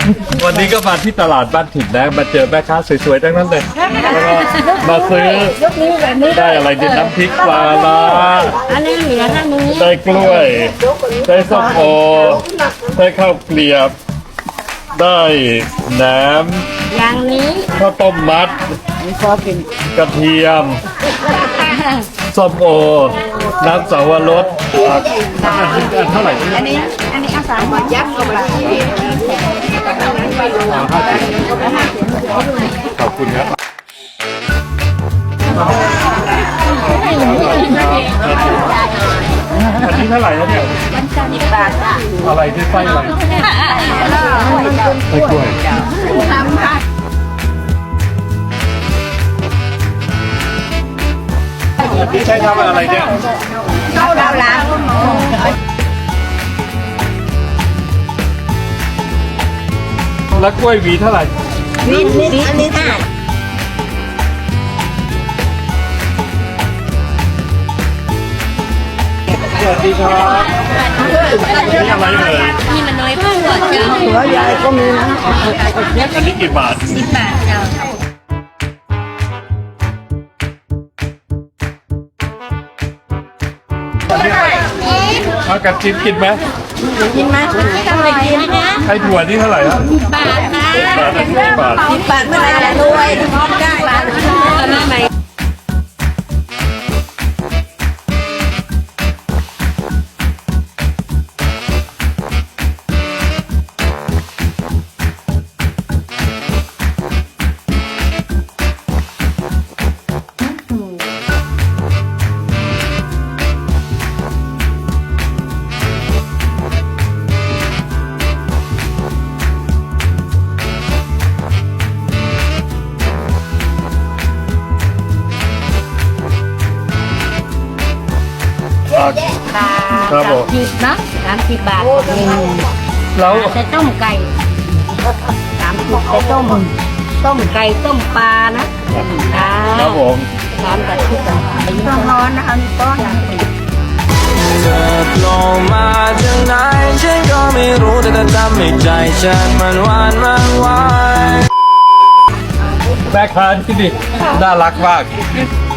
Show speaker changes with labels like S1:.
S1: วันนี้ก็มาที่ตลาดบ้านถิ่นนะมาเจอแม่ค้าสวยๆทั้งนั้นเลยแล้วก็มาซื้อได้อะไรดิน้ำพริกปลาร้า
S2: อันนี้เหลือท่านนี้
S1: ได้กล้วยได้ส้มโอได้ข้าวเกลียบ ได้แหนม
S2: อย่างนี้
S1: ข้าวต้มมัดกระเทียมส้มโอน้ำสาวรสเท่าไหร่
S2: อันนี้เอาสามหมดยักษ์เข้าไป
S1: ขอบคุณครับอันนี้เท่าไหร่แล้วเนี่ย
S2: 10 บาทจ้ะ
S1: อะไรที่ไส้อะไรไส้กล้วย
S2: ทำค่ะ
S1: พี่ใช้ทำอะไรเนี่ย
S2: เข้าดาวล้าง
S1: แล้วกล้วยหวีเท่าไหร่
S2: นิดอันนี้ค่ะ
S1: สวัสดีครับนี่อะไรเอ่ย
S2: นี่มันน้อยมากกว่าเจ้า
S3: หัวยายก็มีนะ
S1: อันนี้กี่บาท
S2: 10 บาทเจ้า
S1: เอากัดจิ้นกินไหม
S2: กินไหมทำไมกินนะ
S1: ไอ้ถั่วนี่เท่าไหร่ครับ
S2: บาทนะ
S1: บาท10 บาท
S2: 10 บาทเมื่อไหร่จะรวยได้บาทมาใหม่
S1: ครับผม
S2: 30นะ30 บาท
S1: แล้ว
S2: จะต้มไก่30จะต้มไก่ต้มปลานะ
S1: ครับผม
S2: ร้านแบบที่ต้องร้อนนะคะมีต้น
S4: เธอโผล่มาจากไหนฉันก็ไม่รู้แต่เธอทำให้ใจฉันมันหวานมันไหว
S1: แม่ค้าที่นี่น่ารักมาก